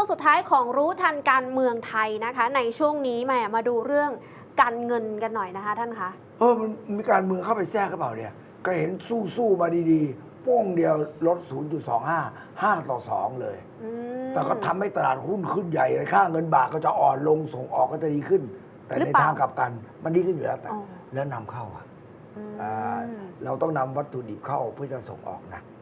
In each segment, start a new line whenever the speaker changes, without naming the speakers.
วงสุดท้ายของรู้ทันการเมืองไทยนะคะในช่วงนี้มาดูเรื่องการเงินกันหน่อยนะคะท่านคะ
มันมีการเมืองเข้าไปแทรกหรือเปล่าเนี่ยก็เห็นสู้มาดีๆโป้งเดียวลด 0.25 5-2 เลยแต่ก็ทำให้ตลาดหุ้นขึ้นใหญ่เลยค่าเงินบาทก็จะอ่อนลงส่งออกก็จะดีขึ้น แต่ในทางกลับกันมันดีขึ้นอยู่แล้วแต่แล้วนำเข้าเราต้องนำวัตถุดิบเข้าเพื่อจะส่งออกนะ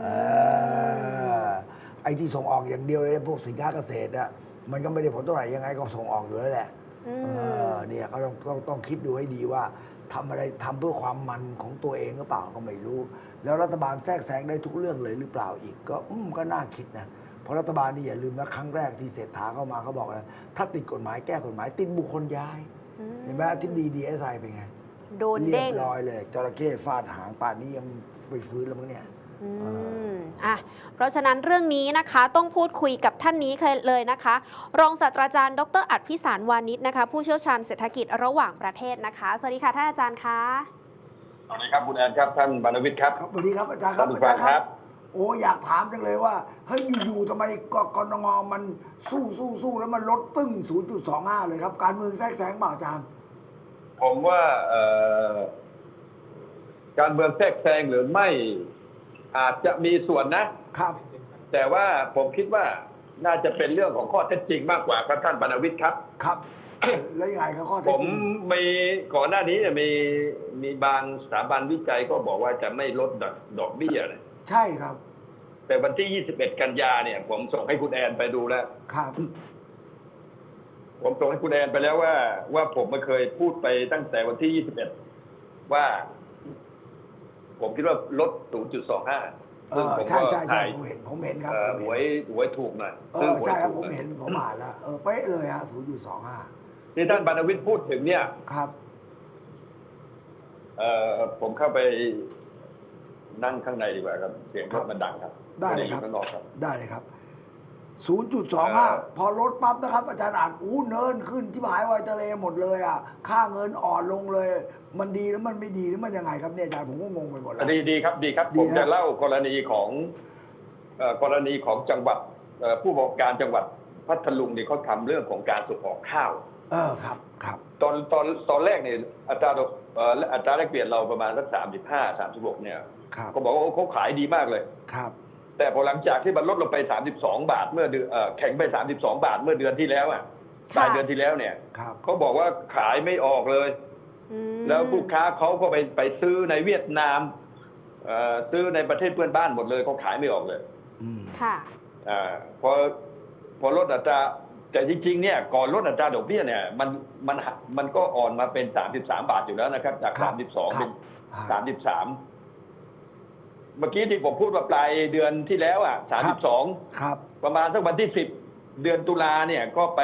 ไอ้ที่ส่งออกอย่างเดียวเลยพวกสินค้าเกษตรอะมันก็ไม่ได้ผลเท่าไหร่ยังไงก็ส่งออกอยู่แล้วแหละเนี่ยก็ต้องคิดดูให้ดีว่าทำอะไรทำเพื่อความมันของตัวเองหรือเปล่าก็ไม่รู้ แล้วรัฐบาลแทรกแซงได้ทุกเรื่องเลยหรือเปล่าอีกก็น่าคิดนะเพราะรัฐบาลนี่อย่าลืมนะครั้งแรกที่เศรษฐาเข้ามาเขาบอกนะถ้าติดกฎหมายแก้กฎหมายติดบุคคลย้ายเห็นไหมที่DSIเป็นไง
โดน
เรี
เด้ง
บร้อยเลยจระเข้ฟาดหางป่านนี้ยังไปฟื้นแล้วมั้งเนี่ย
เพราะฉะนั้นเรื่องนี้นะคะต้องพูดคุยกับท่านนี้เลยนะคะรองศาสตราจารย์ดร.อัฏฐพิสารวานิชนะคะผู้เชี่ยวชาญเศรษฐกิจระหว่างประเทศนะคะสวัสดีค่ะท่านอาจารย์คะ
สวัสดีครับคุณแอนครับท่านบรรณวิทย์ครับ
สวัสดีครับอาจารย์ครับอาจารย์ครับโอ้อยากถามจังเลยว่าเฮ้ยอยู่ๆทำไมกนงมันสู้แล้วมันลดตึ้ง 0.25 เลยครับการเมืองแทรกแซงเปล่าอาจารย์
ผมว่าการเมืองแทรกแซงหรือไม่อาจจะมีส่วนนะครับแต่ว่าผมคิดว่าน่าจะเป็นเรื่องของข้อเท็จจริงมากกว่าครับท่านบรรณวิทย์ครับ
ครับแล้วยังไงครับข้อเท็จ
จริงผมมีก่อนหน้านี้มีบางสถาบันวิจัยก็บอกว่าจะไม่ลดดอกเบี้ยเลย
ใช่ครับ
แต่วันที่21 กันยาเนี่ยผมส่งให้คุณแอนไปดูแล้ว
ครับ
ผมส่งให้คุณแอนไปแล้วว่าผมไม่เคยพูดไปตั้งแต่วันที่21ว่าผมคิดว่าลด 0.25 ซึ่งผมก็
ใช่ผมเห็นครับ
หวยถูกหน่อย
ใช่ครับผมเห็นผมอ่านแล้วเป๊ะเลยฮะ 0.25
ที่ท่านบรรณวิทย์พูดถึงเนี่ย
ครับ
ผมเข้าไปนั่งข้างในดีกว่าครับเสียงรถมันดังครับ
ได้เลยครับได้เลยครับ 0.25 พอลดปั๊บนะครับอาจารย์อ่านเนินขึ้นที่หายวายทะเลหมดเลยค่าเงินอ่อนลงเลยมันดีแล้วมันไม่ดีหรือมันยังไงครับเนี่ยอาจารย์ผมก็งงไปหมดแล้ว
ดีครับผมจะเล่ากรณีของจังหวัดผู้ประกอบการจังหวัดพัทลุงนี่เขาทำเรื่องของการส่งออกข้าว
ครับ
ตอนแรกเนี่ยอัตราแลกเปลี่ยนเราประมาณสัก35-36เนี่ยเขาบอกว่าเขาขายดีมากเลย
ครับ
แต่พอหลังจากที่มันลดลงไป32 บาทเมื่อแข็งไป32 บาทเมื่อเดือนที่แล้วปลายเดือนที่แล้วเนี่ยเขาบอกว่าขายไม่ออกเลยแล้วผู้ค้าเขาก็ไปซื้อในเวียดนามซื้อในประเทศเพื่อนบ้านหมดเลยเขาขายไม่ออกเลย
ค่ะ
พอลดอัตราแต่จริงๆเนี่ยก่อนลดอัตราดอกเบี้ยเนี่ยมันก็อ่อนมาเป็น33 บาทอยู่แล้วนะครับจาก32เป็น33เมื่อกี้ที่ผมพูดว่าปลายเดือนที่แล้ว32
ครับ
ประมาณสักวันที่10เดือนตุลาเนี่ยก็ไป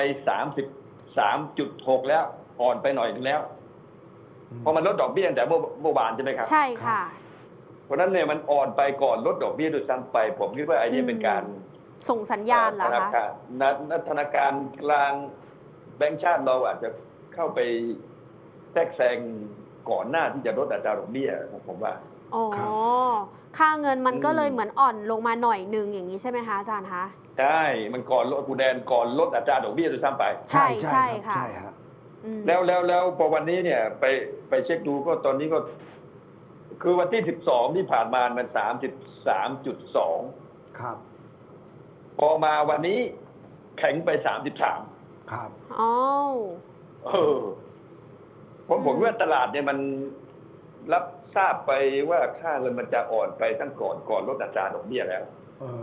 33.6แล้วอ่อนไปหน่อยนึงแล้วพอมันลดดอกเบี้ยแต่เมื่อวานใช่ไหมครับ
ใช่ค่ะ
เพราะนั้นเนี่ยมันอ่อนไปก่อนลดดอกเบี้ยโดยซ้ำไปผมคิดว่าไอ้นี่เป็นการ
ส่งสัญญาณเหรอคะ
ธนาคารกลางแบงก์ชาติเราอาจจะเข้าไปแทรกแซงก่อนหน้าที่จะลดอัตราดอกเบี้ยผมว่า
ค่าเงินมันก็เลยเหมือนอ่อนลงมาหน่อยนึงอย่างนี้ใช่ไหมคะอาจารย์คะ
ใช่มันก่อนลดกูแดนก่อนลดอัตราดอกเบี้ยโดยซ้ำไป
ใช่ค่ะ
แล้วพอวันนี้เนี่ยไปเช็คดูก็ตอนนี้ก็คือวันที่12ที่ผ่านมามัน33.2
ครับ
พอมาวันนี้แข็งไป33
ครับ
ผมว่าตลาดเนี่ยมันรับทราบไปว่าค่าเงินมันจะอ่อนไปตั้งก่อนลดอัตราดอกเบี้ยแล้ว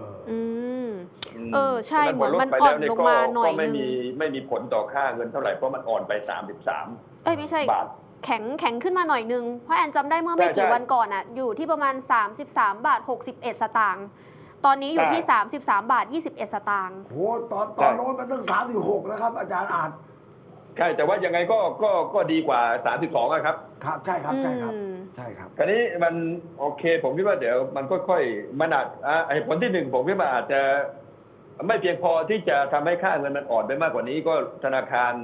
ใช่เหมือนมันอ่อนลงมาหน่อยนึง
ไม่มีผลต่อค่าเงินเท่าไหร่เพราะมันอ่อนไป33
ไม่ใช่บาทแข็งขึ้นมาหน่อยนึงเพราะแอนจำได้เมื่อไม่กี่วันก่อนอยู่ที่ประมาณ33 บาท 61 สตางค์ตอนนี้อยู่ที่33 บาท 21 สตางค์
โหตอนโน้นมันตั้ง36นะครับอาจารย์อ่าน
ใช่แต่ว่ายังไงก็ดีกว่า32ครับ
ครับใช่ครับ
คราวนี้มันโอเคผมคิดว่าเดี๋ยวมันค่อยๆมันอาจผลที่1ผมคิดว่าอาจจะไม่เพียงพอที่จะทำให้ค่าเงินมันอ่อนไปมากกว่านี้ก็ธนาคาร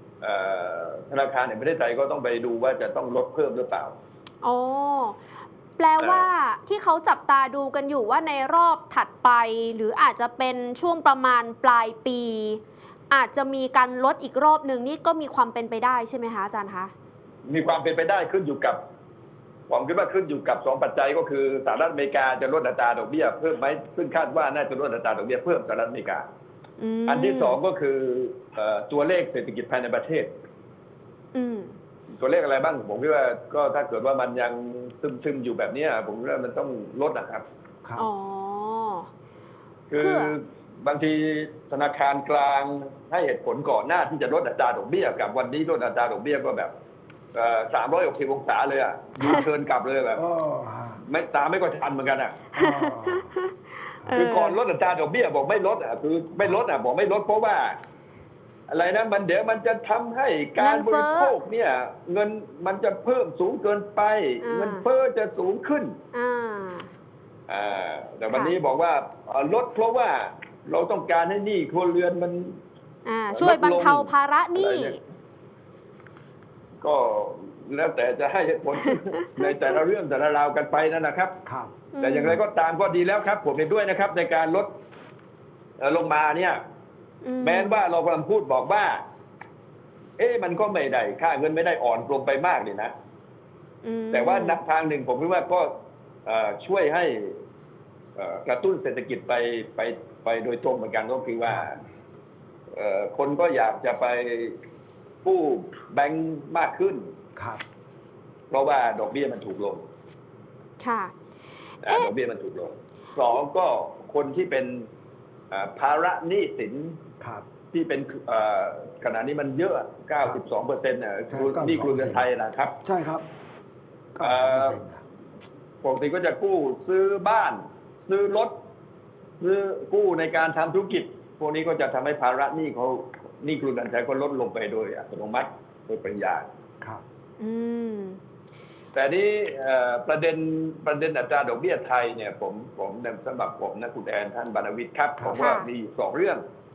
แห่งประเทศไทยก็ต้องไปดูว่าจะต้องลดเพิ่มหรือเปล่า
แปลว่าที่เขาจับตาดูกันอยู่ว่าในรอบถัดไป หรืออาจจะเป็นช่วงประมาณปลายปี อาจจะมีการลดอีกรอบหนึ่งนี่ก็มีความเป็นไปได้ใช่ไหมคะอาจารย์คะ
มีความเป็นไปได้ขึ้นอยู่กับผมคิดว่าขึ้นอยู่กับ2 ปัจจัยก็คือสหรัฐอเมริกาจะลดอัตราดอกเบี้ยเพิ่มไหมซึ่งคาดว่าน่าจะลดอัตราดอกเบี้ยเพิ่มสหรัฐอเมริกาอันที่2ก็คือตัวเลขเศรษฐกิจภายในประเทศตัวเลขอะไรบ้างผมคิดว่าก็ถ้าเกิดว่ามันยังซึมอยู่แบบนี้ผมว่ามันต้องลดนะครับ
อ๋อ
คือบางทีธนาคารกลางให้เหตุผลก่อนหน้าที่จะลดอัตราดอกเบี้ยกับวันนี้ลดอัตราดอกเบี้ยก็แบบ360 องศาเลยอ่ะยูเทิร์นกลับเลยแบบไม่ตามไม่ก็ทันเหมือนกันอ่ะคือก่อนลดอัตราดอกเบี้ยบอกไม่ลดอ่ะคือไม่ลดอ่ะบอกไม่ลดเพราะว่าอะไรนะมันเดี๋ยวมันจะทำให้การบริโภคเนี่ยเงินมันจะเพิ่มสูงเกินไปเงินเฟ้อจะสูงขึ้นแต่วันนี้บอกว่าลดเพราะว่าเราต้องการให้หนี้ครัวเรือนมัน
ช่วยบรรเทาภาระหนี้
ก็แล้วแต่จะให้ผลในแต่ละเรื่องแต่ละราวกันไปนั่นนะครับแต่อย่างไรก็ตามก็ดีแล้วครับผมเห็นด้วยนะครับในการลดลงมาเนี่ยแม้ว่าเรากำลังพูดบอกว่ามันก็ไม่ได้ค่าเงินไม่ได้อ่อนลงไปมากเลยนะแต่ว่านักทางหนึ่งผมคิดว่าก็ช่วยให้กระตุ้นเศรษฐกิจไปโดยตรงเหมือนกันก็คือว่าคนก็อยากจะไปกู้แบงก์มากขึ้นเพราะว่าดอกเบี้ยมันถูกลงดอกเบี้ยมันถูกลง2ก็คนที่เป็นภาระหนี้สินที่เป็นขณะนี้มันเยอะ 92%นี่ครัวเรือนไทยนะครับ
ใช่ครับ
ปกติก็จะกู้ซื้อบ้านซื้อรถซื้อกู้ในการทำธุรกิจพวกนี้ก็จะทำให้ภาระหนี้เขานี่ครัวเรือนไทยก็ลดลงไปโดยอัตโนมัติโดยปริยาย
ครับ
แต่นี้ประเด็นอัตราดอกเบี้ยไทยเนี่ยผมสำหรับผมนะคุณแอนท่านบรรณวิทย์ครับผมว่ามี2 เรื่อง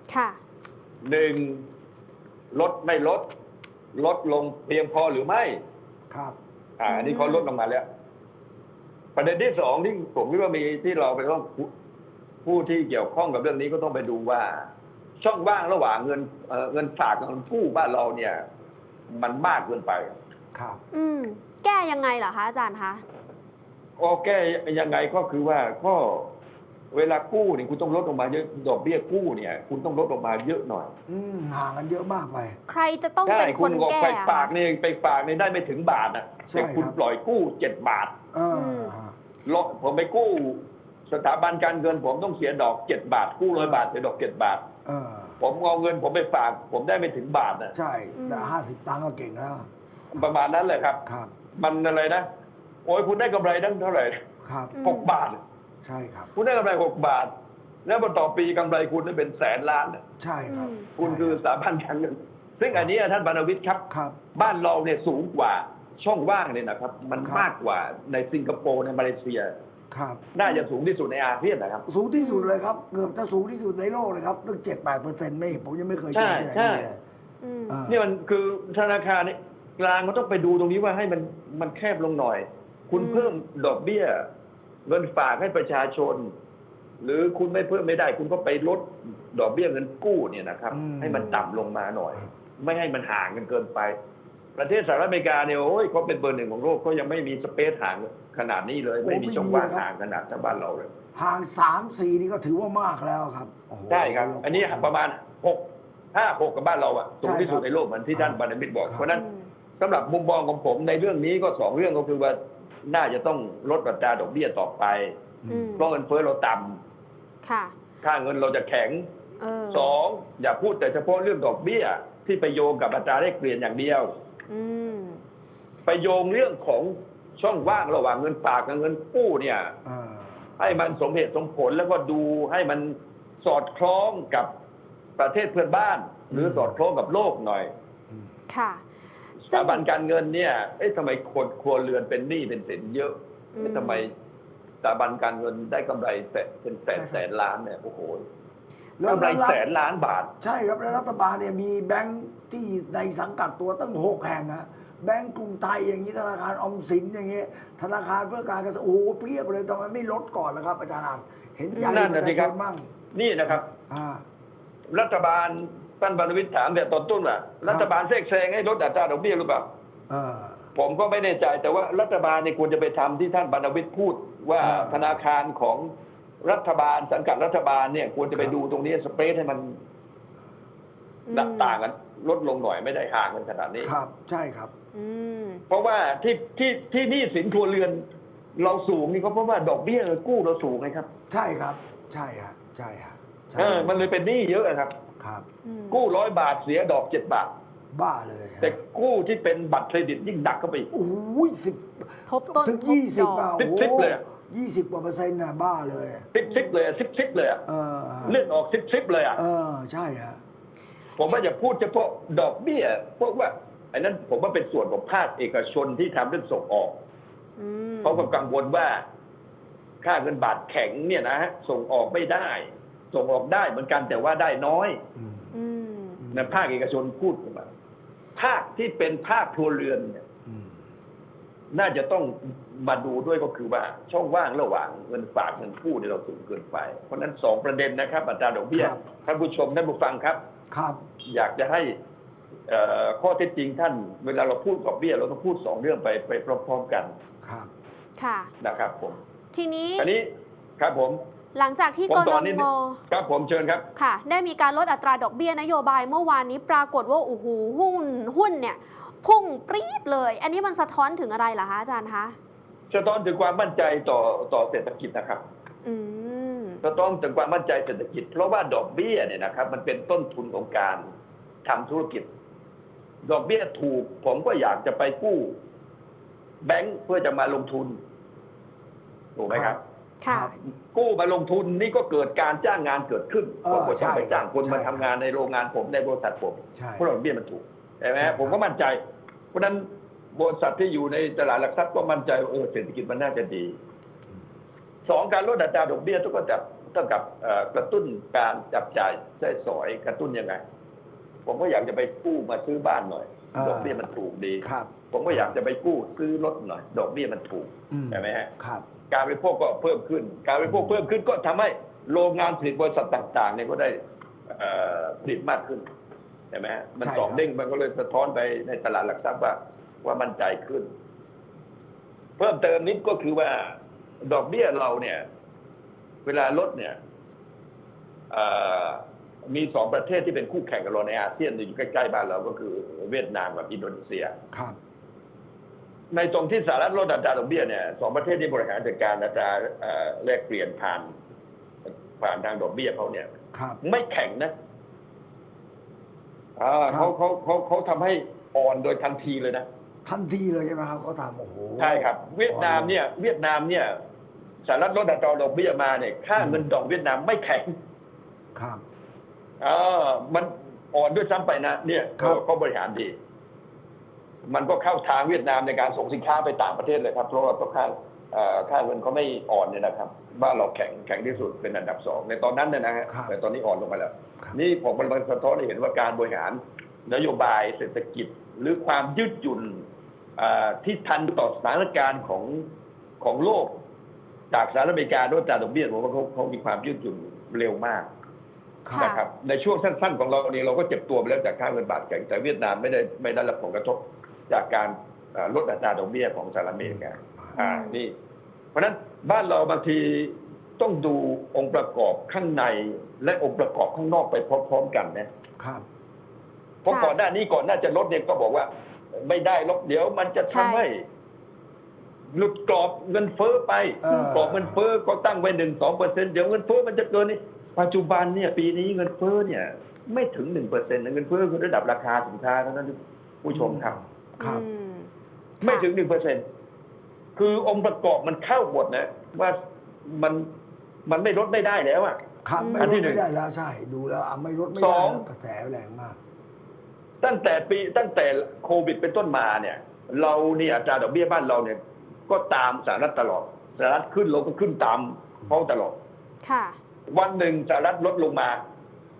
1ลดไม่ลดลงเพียงพอหรือไม่อันนี้เขาลดลงมาแล้วประเด็นที่2ที่ผมคิดว่ามีที่เราไปต้องผู้ที่เกี่ยวข้องกับเรื่องนี้ก็ต้องไปดูว่าช่องว่างระหว่างเงินฝากกับเงินกู้บ้านเราเนี่ยมันมากเกินไป
แก้ยังไงเหรอคะอาจารย์คะ
ก็แก้ยังไงก็คือว่าก็เวลากู้เนี่ยคุณต้องลดลงมาเยอะดอกเบี้ยกู้เนี่ยคุณต้องลดลงมาเยอะหน่อย
ห่างกันเยอะมากไป
ใครจะต้องเป็นคนแก้
ไปฝากเนี่ยได้ไม่ถึงบาทนะแต่คุณปล่อยกู้7 บาทผมไปกู้สถาบันการเงินผมต้องเสียดอก7 บาทกู้100 บาทเสียดอก7 บาทผมเอาเงินผมไปฝากผมได้ไม่ถึงบาทนะ
ใช่แต่50 ตังค์ก็เก่งแล้ว
ประมาณนั้นเลยครับมันอะไรนะโอ้ยคุณได้กำไรตั้งเท่าไหร่6 บาท
ใช่ครับ
คุณได้กำไร6 บาทแล้วพอต่อปีกำไรคุณได้เป็น100,000 ล้าน
ใช่ครับ
คุณคือสถาบันการเงินซึ่งอันนี้ท่านบรรณวิทย์ครับบ้านเราเนี่ยสูงกว่าช่องว่างเนี่ยนะครับมันมากกว่าในสิงคโปร์ในมาเลเซียน่าจะสูงที่สุดในอาเซียนนะครับ
สูงที่สุดเลยครับเกือบจะสูงที่สุดในโลกเลยครับตั้ง7-8%ไม่ผมยังไม่เคยเจอที่ไหนเลย
นี่มันคือธนาคารกลางเขาต้องไปดูตรงนี้ว่าให้มันแคบลงหน่อยคุณเพิ่มดอกเบี้ยเงินฝากให้ประชาชนหรือคุณไม่เพิ่มไม่ได้คุณก็ไปลดดอกเบี้ยเงินกู้เนี่ยนะครับให้มันต่ำลงมาหน่อยไม่ให้มันห่างกันเกินไปประเทศสหรัฐอเมริกาเนี่ยโอ้ยเขาเป็นเบอร์ 1ของโลกเขายังไม่มีสเปซห่างขนาดนี้เลยไม่มีช่องว่างห่างขนาดชาวบ้านเราเลย
ห่าง3-4นี่ก็ถือว่ามากแล้วครับ
ใช่ครับอันนี้ประมาณ5-6กับบ้านเราอ่ะสูงที่สุดในโลกเหมือนที่ท่านบรรณวิทย์บอกเพราะนั้นสำหรับมุมมองของผมในเรื่องนี้ก็2 เรื่องก็คือว่าน่าจะต้องลดอัตราดอกเบี้ยต่อไปเพราะเงินเฟ้อเราต่ำค่าเงินเราจะแข็ง2อย่าพูดแต่เฉพาะเรื่องดอกเบี้ยที่ไปโยงกับอัตราแลกเปลี่ยนอย่างเดียวไปโยงเรื่องของช่องว่างระหว่างเงินฝากกับเงินกู้เนี่ยให้มันสมเหตุสมผลแล้วก็ดูให้มันสอดคล้องกับประเทศเพื่อนบ้านหรือสอดคล้องกับโลกหน่อยสถาบันการเงินเนี่ยทำไมคนครัวเรือนเป็นหนี้เป็นสินเยอะทำไมสถาบันการเงินได้กำไรเป็นแสนล้านเนี่ยโอ้โหกำไร100,000 ล้านบาท
ใช่ครับแล้วรัฐบาลเนี่ยมีแบงค์ที่ในสังกัดตัวตั้ง6 แห่งนะแบงก์กรุงไทยอย่างนี้ธนาคารออมสินอย่างนี้ธนาคารเพื่อการเกษตรโอ้โหเพียบเลยทำไมไม่ลดก่อนล่ะครับอาจารย์อาจเห็นใจ
นั่น
ป
น่ะ
ระ
สิ
ชา
ค
ช
รับ
นบ้าง
นี่นะครับ
อ่า
รัฐบาลท่านบรรณวิทย์ถามแต่ตอนต้นว่ารัฐบาลแทรกแซงให้ลดอัตราดอกเบี้ยหรือเปล่า
เออ
ผมก็ไม่แน่ใจแต่ว่ารัฐบาลเนี่ยควรจะไปทำที่ท่านบรรณวิทย์พูดว่า ธนาคารของรัฐบาลสังกัดรัฐบาลเนี่ยควรจะไปดูตรงนี้สเปรดให้มันต่างกันลดลงหน่อยไม่ได้ห่างกันขนาดนี้
ครับใช่ครับ
อืม
เพราะว่าที่หนี้สินครัวเรือนเราสูงนี่ก็เพราะว่าดอกเบี้ยกู้เราสูงไงครับ
ใช่ครับ ใช่ฮะใช่ฮะใช่
มันเลยเป็นหนี้เยอะครับ
ครับ
กู้100 บาทเสียดอก7 บาท
บ้าเลยฮะ
แต่กู้ที่เป็นบัตรเครดิตยิ่งหนักเข้าไปอีก
โอ้ย10
ทบต้น
ถึง
ทบด
20
อก
อ่ะ
สิ
โอ้
บเลยอะ
20 กว่าเปอร์เซ็นต์น่ะบ้าเลย
ซิบเลยซิบเลยอะ
เออ
เลื่อนออกซิบเลยอะ
เออใช่ฮะ
ผมว่าจะพูดเฉพาะดอกเบี้ยพวกว่าไอ้นั้นผมว่าเป็นส่วนของภาคเอกชนที่ทำเรื่องส่งออก
อืม
เขาก็กังวลว่าค่าเงินบาทแข็งเนี่ยนะฮะส่งออกไม่ได้ ส่งออกได้เหมือนกันแต่ว่าได้น้อย
อืม
นะภาคเอกชนพูดมาภาคที่เป็นภาคครัวเรือนเนี่ยน่าจะต้องมาดูด้วยก็คือว่าช่องว่างระหว่างเงินฝากเงินกู้เนี่ยเราสูงเกินไปเพราะฉะนั้น2 ประเด็นนะครับอัตราดอกเบี้ย
ครับ
ท่านผู้ชมท่านผู้ฟังครับ
ครับ
อยากจะให้ข้อเท็จจริงท่าน เวลาเราพูดดอกเบี้ยเราต้องพูด2 เรื่องไปพร้อมๆกัน
ครับ
ค่ะ
นะครับผม
ทีนี้
อันนี้ครับผม
หลังจากที่
ผม
ก
ต่
น
อนิดนึ
ง
ง ครับผมเชิญครับ
ค่ะ ได้มีการลดอัตราดอกเบี้ยนโยบายเมื่อวานนี้ปรากฏว่าโอ้โหหุ้นเนี่ยพุ่งปรี๊ดเลย อันนี้มันสะท้อนถึงอะไรเหรอคะอาจารย์คะ
สะท้อนถึงความมั่นใจต่อเศรษฐกิจนะครับ
อืม
สะท้อนถึงความมั่นใจเศรษฐกิจ เพราะว่าดอกเบี้ยเนี่ยนะครับมันเป็นต้นทุนของการทำธุรกิจ ดอกเบี้ยถูกผมก็อยากจะไปกู้แบงก์เพื่อจะมาลงทุนถูกไหมครับ
ค่ะ
กู้มาลงทุนนี่ก็เกิดการจ้างงานเกิดขึ้น
เอ
ผม
อ
ก็ต้องไปจ้างคน
ใช่
มาทำงานในโรงงานผมในบริษัทผม
ใช่
เพราะดอกเบี้ยมันถูกใช่ไหม
ใช่ครับ
ผมก็มั่นใจ เพราะฉะนั้นบริษัทที่อยู่ในตลาดหลักทรัพย์ก็มั่นใจว่าเศรษฐกิจมันน่าจะดี2การลดอัตราดอกเบี้ยต้องกับกระตุ้นการจับจ่ายใช้สอยกระตุ้นยังไง ผมก็อยากจะไปกู้มาซื้อบ้านหน่อย ดอกเบี้ยมันถูกดี
ครับ
ผมก็อยากจะไปกู้ซื้อรถหน่อย ดอกเบี้ยมันถูกใช่ไหมฮะ
ครับ
การบริโภคก็เพิ่มขึ้น การบริโภคเพิ่มขึ้นก็ทำให้โรงงานผลิตบริษัทต่างๆเนี่ยก็ได้ผลิตมากขึ้นใช่ไหมฮะมัน
ใช่
สอง
ครับ
เด้งมันก็เลยสะท้อนไปในตลาดหลักทรัพย์ว่ามั่นใจขึ้น เพิ่มเติมนิดก็คือว่าดอกเบี้ยเราเนี่ย เวลาลดเนี่ยมี2 ประเทศที่เป็นคู่แข่งกับเราในอาเซียนอยู่ใกล้ๆบ้านเราก็คือเวียดนามกับอินโดนีเซีย
ครับ
ในตรงที่สหรัฐลดอัตราดอกเบี้ยเนี่ย2 ประเทศที่บริหารจัดการอัตราแลกเปลี่ยนผ่านทางดอกเบี้ยเขาเนี่ย
ครับ
ไม่แข็งนะ
ครับ
เขาทำให้อ่อนโดยทันทีเลยนะ
ทันทีเลยใช่ไหมครับเขาทำโอ้โห
ใช่ครับ เวียดนามเนี่ยสหรัฐลดอัตราดอกเบี้ยมาเนี่ยค่าเงินดอกเวียดนามไม่แข็ง
ครับ
มันอ่อนด้วยซ้ำไปนะเนี่ย
ครับ
เขาบริหารดี มันก็เข้าทางเวียดนามในการส่งสินค้าไปต่างประเทศเลยครับเพราะว่าค่าเงินเขาไม่อ่อนเนี่ยนะครับบ้านเราแข็งที่สุดเป็นอันดับ2ในตอนนั้นเนี่ยนะฮะ
ครับ
แต่ตอนนี้อ่อนลงมาแล้ว
ครับ
นี่ผมมันสะท้อนให้เห็นว่าการบริหารนโยบายเศรษฐกิจ หรือความยืดหยุ่นที่ทันต่อสถานการณ์ของโลก จากสหรัฐอเมริกาด้วยอัตราดอกเบี้ยผมว่าเขามีความยืดหยุ่นเร็วมาก
ค่ะ
นะครับในช่วงสั้นๆของเราเนี่ยเราก็เจ็บตัวไปแล้วจากค่าเงินบาทแข็งแต่เวียดนามไม่ได้รับผลกระทบจากการลดอัตราดอกเบี้ยของสหรัฐอเมริกานี่เพราะฉะนั้นบ้านเราบางทีต้องดูองค์ประกอบข้างในและองค์ประกอบข้างนอกไปพร้อมๆกันนะครับ เพราะก่อนหน้าจะลดเนี่ยก็บอกว่าไม่ได้ลดเดี๋ยวมันจะทำให้หลุดกรอบเงินเฟ้อไปกรอบเงินเฟ้อก็ตั้งไว้1-2%เดี๋ยวเงินเฟ้อมันจะเกินนี่ปัจจุบันเนี่ยปีนี้เงินเฟ้อเนี่ยไม่ถึง 1%นะเงินเฟ้อคือระดับราคาสินค้าเท่านั้นผู้ชมครับ
ครับ
อืม
ไม่ถึง 1%คือองค์ประกอบมันเข้าหมดนะว่ามันไม่ลดไม่ได้แล้วอ่ะ
ครับไม่
อัน
ล
ที่
ด
หนึ่ง
ไม่ได้แล้วใช่ ดูแล้วไม่ลดไม่
ส
ได้
อง
แล้วกระแสแรงมาก
ตั้งแต่โควิดเป็นต้นมาเนี่ยเราเนี่ยอัตราดอกเบี้ยบ้านเราเนี่ยก็ตามสหรัฐตลอดสหรัฐขึ้นเราก็ขึ้นตามเขาตลอด
ค่ะ
วันหนึ่งสหรัฐลดลงมา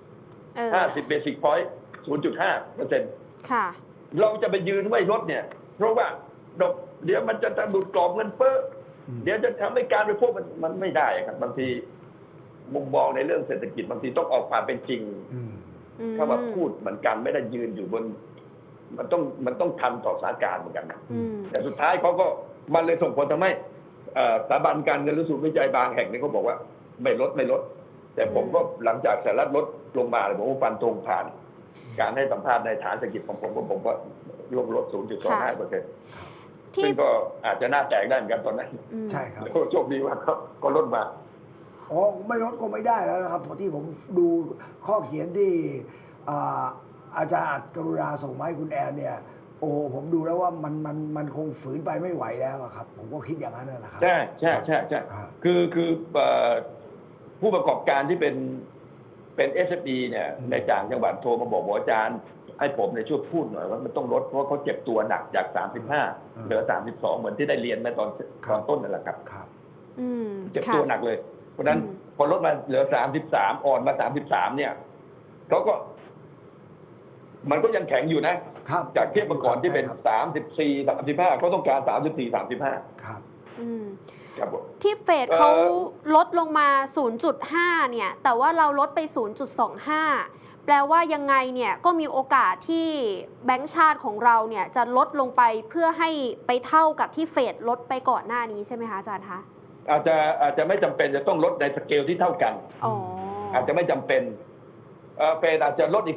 เออ
50 เบสิกพอยต์ 0.5%
ค่ะ
เราจะไปยืนไว้ลดเนี่ยเพราะว่าเดี๋ยวมันจะสะดุดกรอบเงินเฟ้อเดี๋ยวจะทำให้การบริโภคมันไม่ได้ครับบางทีมุมมองในเรื่องเศรษฐกิจบางทีต้องออกความเป็นจริงถ้าว่าพูดเหมือนกันไม่ได้ยืนอยู่บนมันต้องทันต่อสถานการณ์เหมือนกันนะแต่สุดท้ายเขาก็มันเลยส่งผลทำให้สถาบันการเงินหรือศูนย์วิจัยบางแห่งนี่เขาบอกว่าไม่ลด แต่ผมก็หลังจากสหรัฐลดลงมาเลยผมก็ฟันธงผ่าน การให้สัมภาษณ์ในฐานเศรษฐกิจของผมว่าลด 0.25%ซึ่งก็อาจจะน่าแตกได้เหมือนกันตอนนั้น
ใช่ครับ
โชคดีว่าก็ลดมา
อ๋อไม่ลดก็ไม่ได้แล้วนะครับเพราะที่ผมดูข้อเขียนที่อาจารย์อัจกรุณาส่งมาให้คุณแอนเนี่ยโอ้ผมดูแล้วว่ามันคงฝืนไปไม่ไหวแล้วอะครับผมก็คิดอย่างนั้นนะครับ
ใช่คือผู้ประกอบการที่เป็น SME เนี่ยในต่างจังหวัดโทรมาบอกอาจารย์ให้ผมในช่วยพูดหน่อยว่ามันต้องลดเพราะเขาเจ็บตัวหนักจาก35เหลือ32เหมือนที่ได้เรียนมาตอนต้นนั่นแหละครับเจ็บตัวหนักเลยเพราะฉะนั้นพอลดมาเหลือ33อ่อนมา33เนี่ยเขาก็มันก็ยังแข็งอยู่นะจากเทียบเมื่อก่อนที่เป็น34 35เขาต้องการ34 35
ครับ
ที่เฟดเขาลดลงมา 0.5 เนี่ยแต่ว่าเราลดไป 0.25 แปลว่ายังไงเนี่ยก็มีโอกาสที่แบงก์ชาติของเราเนี่ยจะลดลงไปเพื่อให้ไปเท่ากับที่เฟดลดไปก่อนหน้านี้ใช่ไหมคะอาจารย์คะ
อาจจะไม่จำเป็นจะต้องลดในสเกลที่เท่ากันอาจจะไม่จำเป็นเฟดอาจจะลดอีก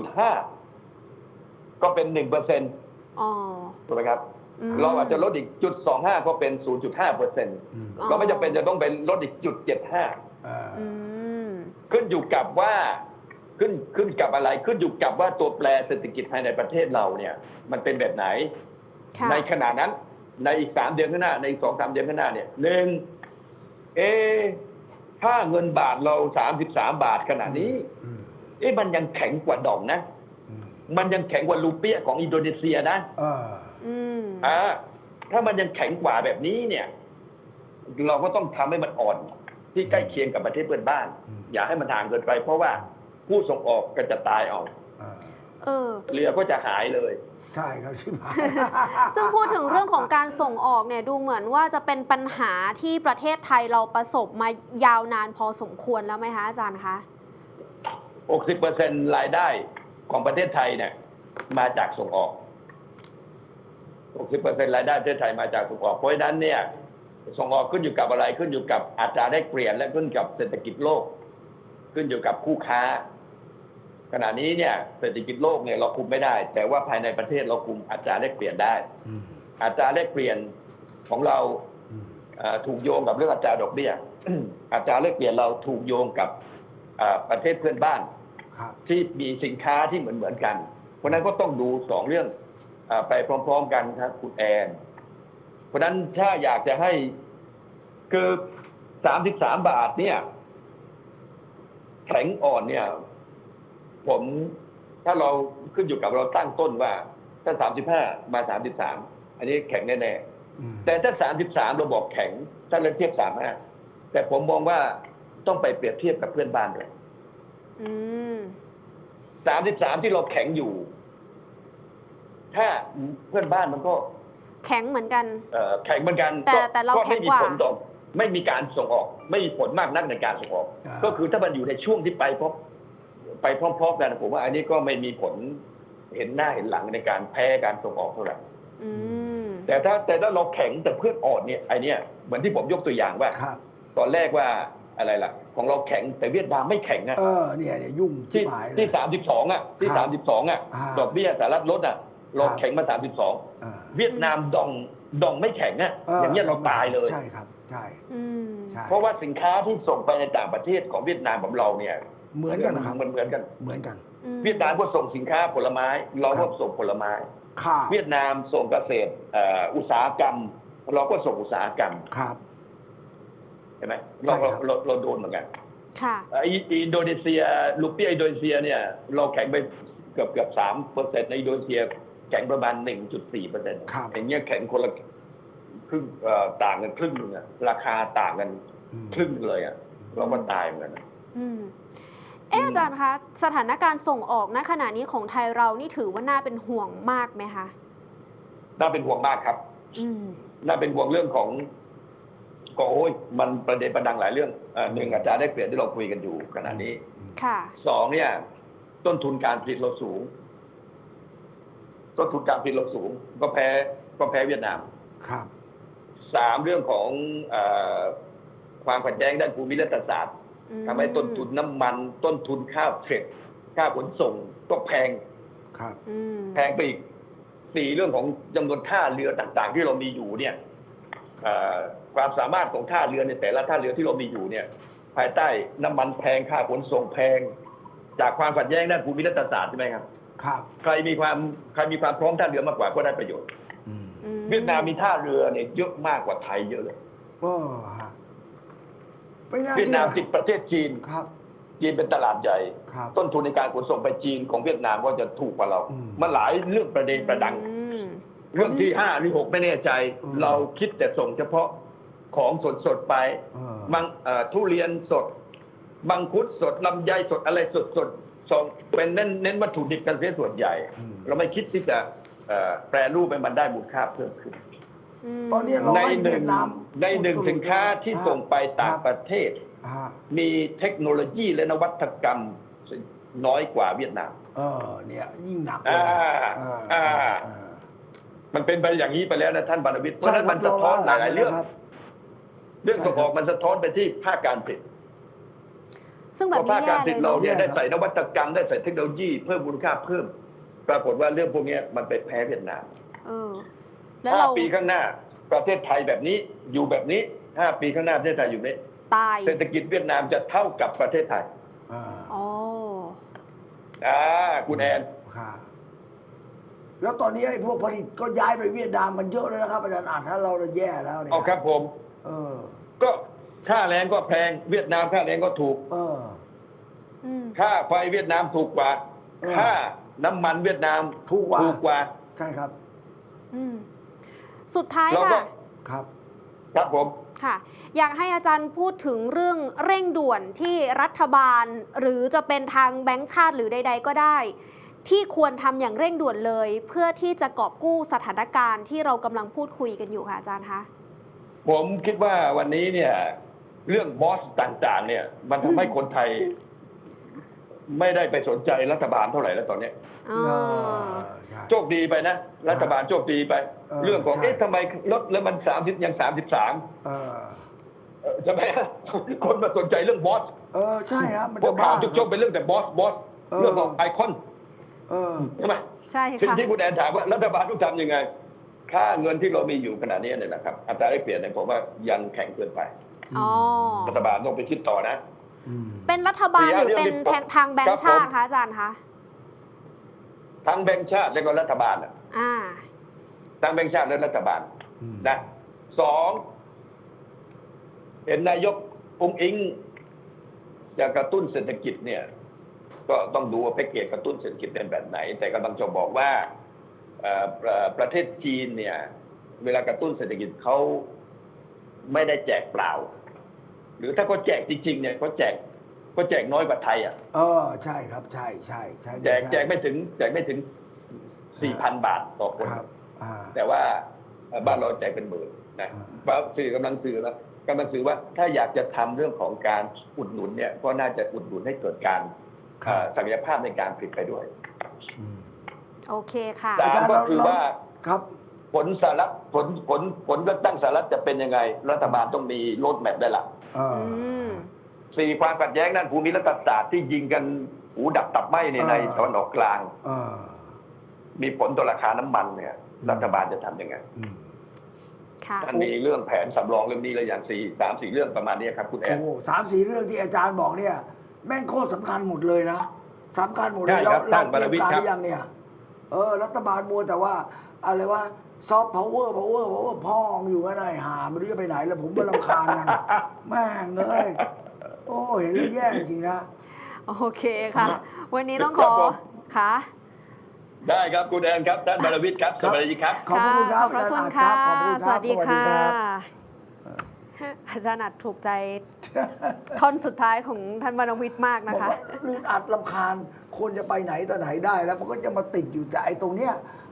0.5 ก็เป็น 1%ถูกไหมครับเราอาจจะลดอีก 0.25 ก็เป็น 0.5% ก็ไม่จำเป็นจะต้องเป็นลดอีก 0.75 ขึ้นอยู่กับว่าขึ้นกับอะไรขึ้นอยู่กับว่าตัวแปรเศรษฐกิจภายในประเทศเราเนี่ยมันเป็นแบบไหนในขณะนั้นในอีก3 เดือนข้างหน้าในอีก 2-3 เดือนข้างหน้าเนี่ยถ้าเงินบาทเรา33 บาทขณะนี้มันยังแข็งกว่าดองนะมันยังแข็งกว่ารูเปียของอินโดนีเซียนะถ้ามันยังแข็งกว่าแบบนี้เนี่ยเราก็ต้องทำให้มันอ่อนที่ใกล้เคียงกับประเทศเพื่อนบ้านอย่าให้มันห่างเกินไปเพราะว่าผู้ส่งออกก็จะตายเอาเรือก็จะหายเลย
ใช่ครับชิบหาย
ซึ่งพูดถึงเรื่องของการส่งออกเนี่ยดูเหมือนว่าจะเป็นปัญหาที่ประเทศไทยเราประสบมายาวนานพอสมควรแล้วไหมคะอาจารย์คะ
60% รายได้ของประเทศไทยเนี่ยมาจากส่งออก 60% รายได้ประเทศไทยมาจากส่งออกเพราะฉะนั้นเนี่ยส่งออกขึ้นอยู่กับอะไรขึ้นอยู่กับอัตราแลกเปลี่ยนและขึ้นกับเศรษฐกิจโลกขึ้นอยู่กับคู่ค้าขณะนี้เนี่ยเศรษฐกิจโลกเนี่ยเราคุมไม่ได้แต่ว่าภายในประเทศเราคุมอัตราแลกเปลี่ยนได้อัตราแลกเปลี่ยนของเราถูกโยงกับเรื่องอัตราดอกเบี้ยอัตราแลกเปลี่ยนเราถูกโยงกับประเทศเพื่อนบ้านที่มีสินค้าที่เหมือนกันเพราะนั้นก็ต้องดู2 เรื่องไปพร้อมๆกันครับคุณแอนเพราะนั้นถ้าอยากจะให้คือ33 บาทเนี่ยแข็งอ่อนเนี่ยผมถ้าเราขึ้นอยู่กับเราตั้งต้นว่าถ้า35มา33อันนี้แข็งแน่ๆแต่ถ้า33เราบอกแข็งถ้าเราเทียบ35แต่ผมมองว่าต้องไปเปรียบเทียบกับเพื่อนบ้านด้วย33ที่เราแข็งอยู่ถ้าเพื่อนบ้านมันก็
แข็งเหมือนกัน
แข็งเหมือนกัน
แต่เราแข็งกว่า
ไม่มีการส่งออกไม่มีผลมากนักในการส่งออกก็คือถ้ามันอยู่ในช่วงที่ไปพร้อมๆกันผมว่าอันนี้ก็ไม่มีผลเห็นหน้าเห็นหลังในการแพ้การส่งออกเท่าไหร่แต่ถ้าเราแข็งแต่เพื่อนอ่อนเนี่ยไอเนี้ยเหมือนที่ผมยกตัวอย่างว่าตอนแรกว่าอะไรล่ะของเราแข็งแต่เวียดนามไม่แข็งอ่ะ
เนี่ยยุ่ง
ที่32อ่ะที่32อ่ะดอกเบี้ยสหรัฐลดอ่ะเราแข็งมา32เวียดนามดองไม่แข็งอ่ะอย่างเงี้ยเราตายเลย
ใช่ครับใช่
เพราะว่าสินค้าที่ส่งไปในต่างประเทศของเวียดนามกับเราเนี่ย
เหมือนกันนะครับ
เหมือนกันเวียดนามก็ส่งสินค้าผลไม้เราก็ส่งผลไม้เวียดนามส่งเกษตรอุตสาหกรรมเราก็ส่งอุตสาหกรรมเห็นไหมเราโดนเหมือนกันอินโดนีเซียรูเปียอินโดนีเซียเนี่ยเราแข็งไปเกือบ 3% ในอินโดนีเซียแข็งประมาณ 1.4% อย่างเงี้ยแข็งคนละครึ่งต่างกันครึ่งนึงอะราคาต่างกันครึ่งเลยอะเราก็ตายเหมือนกัน
อาจารย์คะสถานการณ์ส่งออกณขณะนี้ของไทยเรานี่ถือว่าน่าเป็นห่วงมากไหมคะ
น่าเป็นห่วงมากครับ
อืม
น่าเป็นห่วงเรื่องของก็โอ้ยมันประเด็นประดังหลายเรื่องหนึ่งอาจารย์ได้เปลี่ยนที่เราคุยกันอยู่ขณะนี้
ค่ะ
สองเนี่ย ต้นทุนการผลิตเราสูง ต้นทุนการผลิตเราสูง ก็แพ้เวียดนาม
ครับ
สามเรื่องของความขัดแย้งด้านภูมิรัฐศาสตร์ทำให้ต้นทุนน้ำมัน ต้นทุนค่าเฟรตค่าขนส่งก็แพง
ครับ
อืม
แพงไปอีกสี่เรื่องของจำนวนท่าเรือต่างๆ ที่เรามีอยู่เนี่ยความสามารถของท่าเรือในแต่ละท่าเรือที่เรามีอยู่เนี่ย ภายใต้น้ำมันแพงค่าขนส่งแพง จากความขัดแย้งด้านภูมิรัฐศาสตร์ใช่ไหมครับ
ครับ
ใครมีความพร้อมท่าเรือมากกว่าก็ได้ประโยชน์
อืม
เวียดนามมีท่าเรือเนี่ยเยอะมากกว่าไทยเยอะเลย
โอ้ฮะไม่น่า
เวียด
เชื่
นาม
อ
ติดประเทศจีน
ครับ
จีนเป็นตลาดใหญ่
ครับ
ต้นทุนในการขนส่งไปจีนของเวียดนามก็จะถูกกว่าเรา
อืม
มันหลายเรื่องประเด็นประดัง
อืม
เรื่องที่5หรือ6ไม่แน่ใจ
อืม
เราคิดแต่ส่งเฉพาะของสดๆไป บางทุเรียนสดมังคุดสดลำไยสดอะไรสดๆส่งเป็นเน้นวัตถุดิบกันเสียส่วนใหญ่ เราไม่คิดที่จะแปรรูปให้มันได้มูลค่าเพิ่มขึ้น
ตอนนี้เรา
ใน
ให้
ห
เวี
นึ่
ย
ง
ดนาม
ในหนึ่งสินค้าที่ส่งไปต่างประเทศ
ฮะ
มีเทคโนโลยีและนวัตกรรมน้อยกว่าเวียดนาม
เนี่ยยิ่งหนักเลย
มันเป็นไปอย่างนี้ไปแล้วนะท่านบรรณวิทย์เพราะฉะนั้น
ใช่
มันสะท้อนหลายๆเรื่อง
ครับ
เรื่องส่งออกมันสะท้อนไปที่ภาคการผลิต
ซึ่งแบบ
เพราะ
นี้
ภาคการ
แย่
ผ
เล
ลิ
ย
ตเรา
เนาะ
เนี่ยได้ใส่นวัตกรรมได้ใส่เทคโนโลยีเพิ่มมูลค่าเพิ่ม ปรากฏว่าเรื่องพวกนี้มันไปแพ้เวียดนาม
เออ แล้วเรา
5 ปีข้างหน้าประเทศไทยแบบนี้อยู่แบบนี้ 5 ปีข้างหน้าประเทศไทยอยู่แบบนี้
ตาย
เศรษฐกิจเวียดนามจะเท่ากับประเทศไทย
อ๋อ
คุณแอน
ค่ะแล้วตอนนี้ไอ้พวกผลิตก็ย้ายไปเวียดนามมันเยอะแล้วนะครับอาจารย์ถ้าเราแย่แล้วเนี่ย
เอาครับผม
เออ
ก็ค่าแรงก็แพงเวียดนามค่าแรงก็ถูก
เออ
อืม
ค่าไฟเวียดนามถูกกว่า
เออ
ค่าน้ำมันเวียดนาม
ถูกกว่า ใช่ครับ
อืม สุดท้าย
เราก็
ค่ะ
ครับ
ครับผม
ค่ะ อยากให้อาจารย์พูดถึงเรื่องเร่งด่วนที่รัฐบาล หรือจะเป็นทางแบงก์ชาติหรือใด ๆ ก็ได้ ที่ควรทำอย่างเร่งด่วนเลย เพื่อที่จะกอบกู้สถานการณ์ที่เรากำลังพูดคุยกันอยู่ค่ะอาจารย์คะ
ผมคิดว่าวันนี้เนี่ย เรื่องบอสต่างๆ เนี่ย มันทำให้คนไทย ไม่ได้ไปสนใจรัฐบาลเท่าไหร่แล้วตอนเนี้ย
อ๋อ
ใช่
โชคดีไปนะรัฐบาลโชคดีไป เรื่องของ
ใช่
ทำไมลดแล้วมัน30ยัง33
เออ
ใช่ไหมคนมาสนใจเรื่องบอส
ใช่ครับมัน
พว
จะ
ก
บ้า
ข่าวทุกช่วงเป็นเรื่องแต่บอสเรื่องของไอคอน
เออ
ใช่ไหม
ใช่
สิ่ง
ค่ะ
ที่คุณแอนถามว่ารัฐบาลต้องทำยังไง ค่าเงินที่เรามีอยู่ขณะนี้เนี่ยนะครับอัตราแลกเปลี่ยนเนี่ยผมว่ายังแข็งเกินไป
อ๋อ
รัฐบาลต้องไปคิดต่อนะ
เป็นรัฐบาลหรือเป็น
ครับ
ทางแบงก์ชาติ
ผม
คะอาจารย์คะ
ทั้งแบงก์ชาติและก็รัฐบาลน่ะ
อ่า
ทั้งแบงก์ชาติและรัฐบาล
อืม
นะ2เห็นนายกอุ้งอิงจะกระตุ้นเศรษฐกิจเนี่ย ก็ต้องดูว่าแพ็กเกจกระตุ้นเศรษฐกิจเป็นแบบไหน แต่กำลังจะบอกว่าประเทศจีนเนี่ย เวลากระตุ้นเศรษฐกิจเขาไม่ได้แจกเปล่า หรือถ้าเขาแจกจริงๆเนี่ยเขาแจกน้อยกว่าไทยอ่ะ
ใช่ครับ ใช่
แจกไม่ถึง 4,000 บาทต่อคน
ครับ
แต่ว่าบ้านเราแจกเป็นหมื่นนะสื่อกำลังสื่อว่าถ้าอยากจะทำเรื่องของการอุดหนุนเนี่ยก็น่าจะอุดหนุนให้เกิดการศักยภาพในการผลิตไปด้วย
โอเคค่ะ
สามก็คือว่า
ครับ
ผลสหรัฐผลเลือกตั้งสหรัฐจะเป็นยังไง รัฐบาลต้องมีโรดแมพได้ละ
อืม
4ความขัดแย้งด้านภูมิรัฐศาสตร์ที่ยิงกันหูดับตับไหม้ในตะวันออกกลาง มีผลต่อราคาน้ำมันเนี่ย รัฐบาลจะทำยังไง
ค่ะ
มันมีเรื่องแผนสำรองเรื่องนี้เลยอย่าง3-4 เรื่องประมาณนี้ครับคุณแอน
โอ้3-4 เรื่องที่อาจารย์บอกเนี่ย แม่งโคตรสำคัญหมดเลยนะสำคัญหมดเลย
ใช่ครับ
เรา
ท่าน
เตรียมการ
บรรณวิทย์ครับ
หรือยังเนี่ย รัฐบาลมัวแต่ว่าอะไรว่าซอฟต์พาวเวอร์พ่องอยู่กันไหนหาไม่รู้จะไปไหนแล้วผมก็รำคาญกันแม่งเลยโอ้เห็นแล้วแย่จริงๆนะ
โอเคค่ะ
ครับ
วันนี้ต้อง
ค
ข
รับ
อ
ผม
ค่ะ
ได้ครับคุณแอนครับท่านบรรณวิทย์ครับสวัสดีครับ
ขอบคุณครับ
ขอบพระคุณ
อา
ค่ะ
จารย์อัดครับขอบคุณครับ
สวัสดี
สวัสดี
ค่ะ
ครับ
อาจารย์อัดถูกใจ ท่อนสุดท้ายของท่านบรรณวิทย์มาก
บ
นะ
อก
คะ
ว่าลื่นอัดลำคาญคนจะไปไหนต่อไหนได้แล้วมันก็จะมาติดอยู่แต่ไอ้ตรงเนี้ย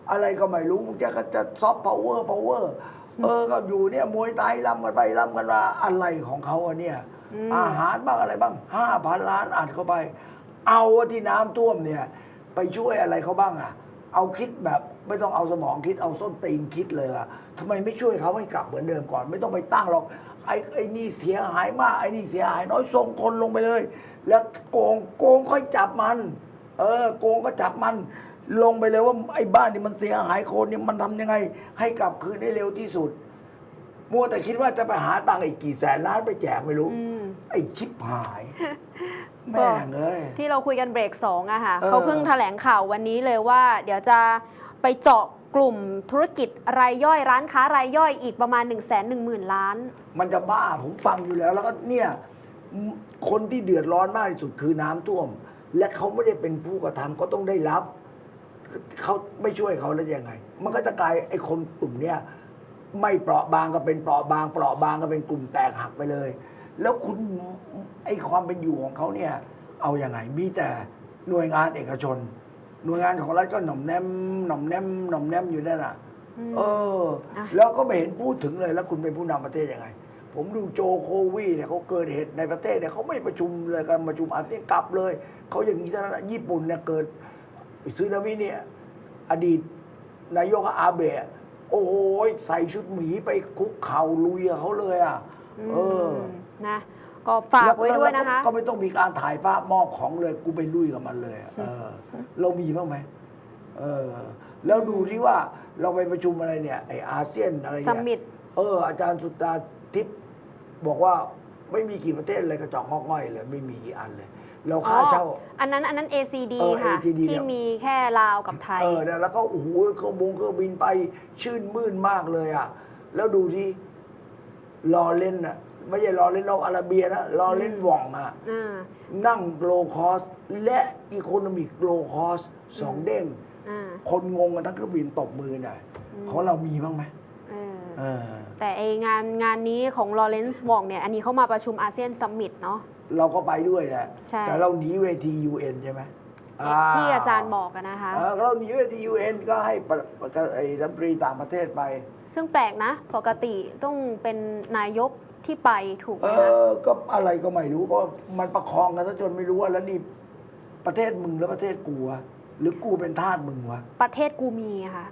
อะไรก็ไม่รู้มึงจะซอฟต์พาวเวอร์ก็อยู่เนี่ยมวยไทยล้ำกันไปล้ำกันมาอะไรของเขาอะเนี่ยอาหารบ้างอะไรบ้าง5,000 ล้านอัดเข้าไป เอาที่น้ำท่วมเนี่ยไปช่วยอะไรเขาบ้างอะเอาคิดแบบไม่ต้องเอาสมองคิดเอาส้นตีนคิดเลยอะทำไมไม่ช่วยเขาให้กลับเหมือนเดิมก่อน ไม่ต้องไปตั้งหรอกไอ้นี่เสียหายมากไอ้นี่เสียหายน้อยส่งคนลงไปเลย แล้วโกงค่อยจับมันโกงก็จับมันลงไปเลยว่าไอ้บ้านที่มันเสียหายคนเนี่ยมันทำยังไง ให้กลับคืนได้เร็วที่สุดมัวแต่คิดว่าจะไปหาตังค์อีกกี่แสนล้านไปแจกไม่รู้ไอ้ชิบหายแม่งเอ้ย
ที่เราคุยกันเบรก2อะค่ะเขาเพิ่งแถลงข่าววันนี้เลยว่า เดี๋ยวจะไปเจาะกลุ่มธุรกิจรายย่อยร้านค้ารายย่อยอีกประมาณ 110,000 ล้าน
มันจะบ้าผมฟังอยู่แล้วแล้วก็เนี่ยคนที่เดือดร้อนมากที่สุดคือน้ำท่วม และเขาไม่ได้เป็นผู้กระทำเขาต้องได้รับเขาไม่ช่วยเขาแล้วยังไง มันก็จะกลายไอ้คนกลุ่มเนี้ยไม่เปราะบางก็เป็นเปราะบางก็เป็นกลุ่มแตกหักไปเลย แล้วคุณไอ้ความเป็นอยู่ของเขาเนี่ยเอาอย่างไงมีแต่หน่วยงานเอกชน หน่วยงานของรัฐก็หน่อมแนมอยู่นั่นน่ะแล้วก็ไม่เห็นพูดถึงเลยแล้วคุณเป็นผู้นำประเทศยังไง ผมดูโจโควีเนี่ยเขาเกิดเหตุในประเทศเนี่ยเขาไม่ประชุมเลยการประชุมอาเซียนกลับเลยเขาอย่างนี้เท่านั้นญี่ปุ่นเนี่ยเกิดซึนามิเนี่ยอดีตนายกอาเบะโอ้โหใส่ชุดหมีไปคุกเข่าลุยกับเขาเลยอ่ะ
นะก็ฝากไว้ด้วยนะคะ
ก็ไม่ต้องมีการถ่ายภาพมอบของเลยกูไปลุยกับมันเลยเรามีบ้างไหมแล้วดูที่ว่าเราไปประชุมอะไรเนี่ยไออาเซียนอะไรเนี่ย
ซัมมิต
อาจารย์สุดาทิพย์บอกว่าไม่มีกี่ประเทศเลยกระจอกงอกง่อยเลยไม่มีกี่อันเลยเราค่าเช่า
อันนั้น ACD ค่ะ
ACD
ที่มีแค่ลาวกับไทย
แล้วก็โอ้โหเครื่องบินไปชื่นมื่นมากเลยอ่ะแล้วดูที่รอเล่นอ่ะไม่ใช่รอเล่นนอกอาราเบียนะรอเล่นหว่องอ่ะนั่งโลคอสและอีโคโนมิกโลคอส2 เด้งคนงงกันทั้งเครื่องบินตบมือน่ะของเรามีบ้างไหม
แต่ไองานนี้ของลอเรนซ์วองเนี่ยอันนี้เขามาประชุมอาเซียนซัมมิตเนาะ
เราก็ไปด้วยแหละแต่เราหนีเวที UN ใช่ไหม
ที่อาจารย์บอกกันนะคะ
เราหนีเวที UN ก็ให้ไอ้รัฐมนตรีต่างประเทศไป
ซึ่งแปลกนะปกติต้องเป็นนายกที่ไปถูกไหมคะ
ก็อะไรก็ไม่รู้ก็มันประคองกันซะจนไม่รู้ว่าแล้วนี่ประเทศมึงแล้วประเทศกูวะหรือกูเป็นทาสมึงวะ
ประเทศกูมีค่ะ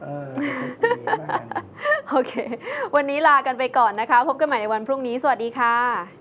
โอเควันนี้ลากันไปก่อนนะคะพบกันใหม่ในวันพรุ่งนี้สวัสดีค่ะ